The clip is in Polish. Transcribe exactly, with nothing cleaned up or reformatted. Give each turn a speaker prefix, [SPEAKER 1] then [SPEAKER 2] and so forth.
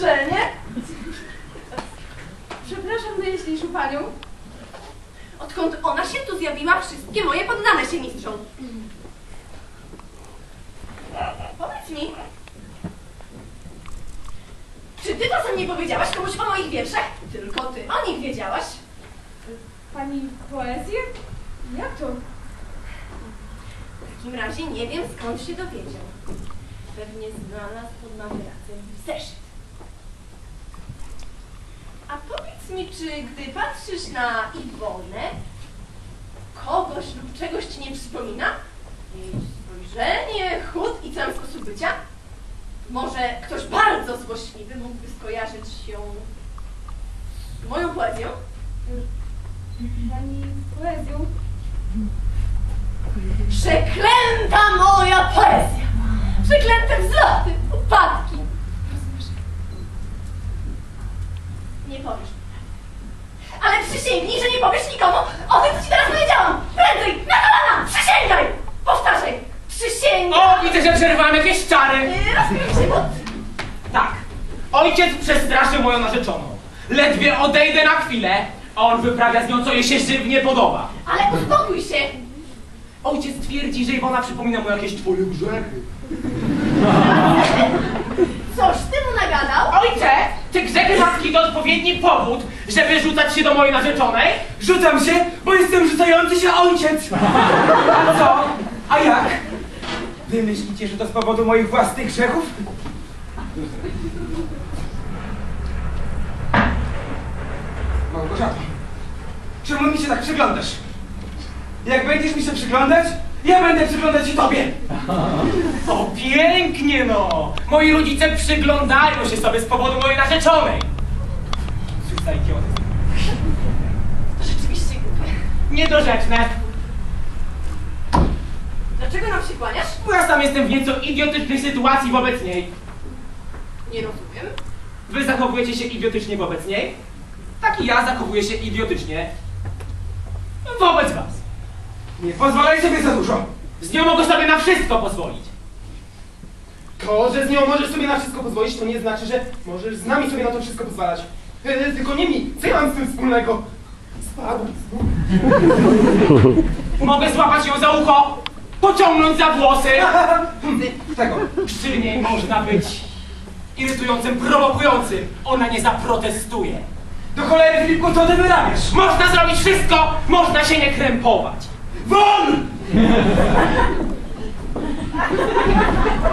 [SPEAKER 1] uczenie. Przepraszam najjaśniejszą panią. Odkąd ona się tu zjawiła, wszystkie moje poddane się mistrzą. Powiedz mi, czy ty czasem nie powiedziałaś komuś o moich wierszach? Tylko ty o nich wiedziałaś.
[SPEAKER 2] Pani poezję? Jak to?
[SPEAKER 1] W takim razie nie wiem, skąd się dowiedział. Pewnie znalazł pod materacem zeszyt. A powiedz mi, czy gdy patrzysz na Iwonę, kogoś lub czegoś ci nie przypomina? Jej spojrzenie, chód i cały sposób bycia? Może ktoś bardzo złośliwy mógłby skojarzyć się z moją poezją?
[SPEAKER 2] Pani poezją?
[SPEAKER 1] Przeklęta moja poezja! Przeklęte wzloty, upadki! Rozumiesz? Nie powiesz mi. Ale przysięgnij, że nie powiesz nikomu o tym, co ci teraz powiedziałam! Prędzej! Na kolana! Przysięgaj! Powtarzaj! Przysięgaj!
[SPEAKER 3] O, widzę, że przerywałem jakieś czary!
[SPEAKER 1] Rozumiem się, bo...
[SPEAKER 3] Tak. Ojciec przestraszył moją narzeczoną. Ledwie odejdę na chwilę, a on wyprawia z nią, co jej się żywnie podoba.
[SPEAKER 1] Ale uspokój się!
[SPEAKER 3] Ojciec twierdzi, że Iwona przypomina mu jakieś twoje grzechy.
[SPEAKER 1] Coś ty mu nagadał?
[SPEAKER 3] Ojcze, te grzechy matki to odpowiedni powód, żeby rzucać się do mojej narzeczonej?
[SPEAKER 4] Rzucam się, bo jestem rzucający się ojciec. A co? A jak? Wy myślicie, że to z powodu moich własnych grzechów? Małgorzato, czemu mi się tak przyglądasz? Jak będziesz mi się przyglądać, ja będę przyglądać się tobie.
[SPEAKER 3] O, pięknie no! Moi rodzice przyglądają się sobie z powodu mojej narzeczonej. Cóż za idiotyzm.
[SPEAKER 1] To rzeczywiście głupie.
[SPEAKER 3] Niedorzeczne.
[SPEAKER 1] Dlaczego nam się kłaniasz?
[SPEAKER 3] Bo ja sam jestem w nieco idiotycznej sytuacji wobec niej.
[SPEAKER 1] Nie rozumiem.
[SPEAKER 3] Wy zachowujecie się idiotycznie wobec niej, tak i ja zachowuję się idiotycznie wobec was.
[SPEAKER 4] Nie pozwalaj sobie za dużo.
[SPEAKER 3] Z nią mogę sobie na wszystko pozwolić.
[SPEAKER 4] To, że z nią możesz sobie na wszystko pozwolić, to nie znaczy, że możesz z nami sobie na to wszystko pozwalać. E, tylko nie mi. Co ja mam z tym wspólnego? Spadł.
[SPEAKER 3] Mogę złapać ją za ucho, pociągnąć za włosy.
[SPEAKER 4] Tego.
[SPEAKER 3] Przy niej można być irytującym, prowokującym. Ona nie zaprotestuje.
[SPEAKER 4] Do cholery, Filipku, co ty wyrabiasz?
[SPEAKER 3] Można zrobić wszystko, można się nie krępować.
[SPEAKER 4] Won!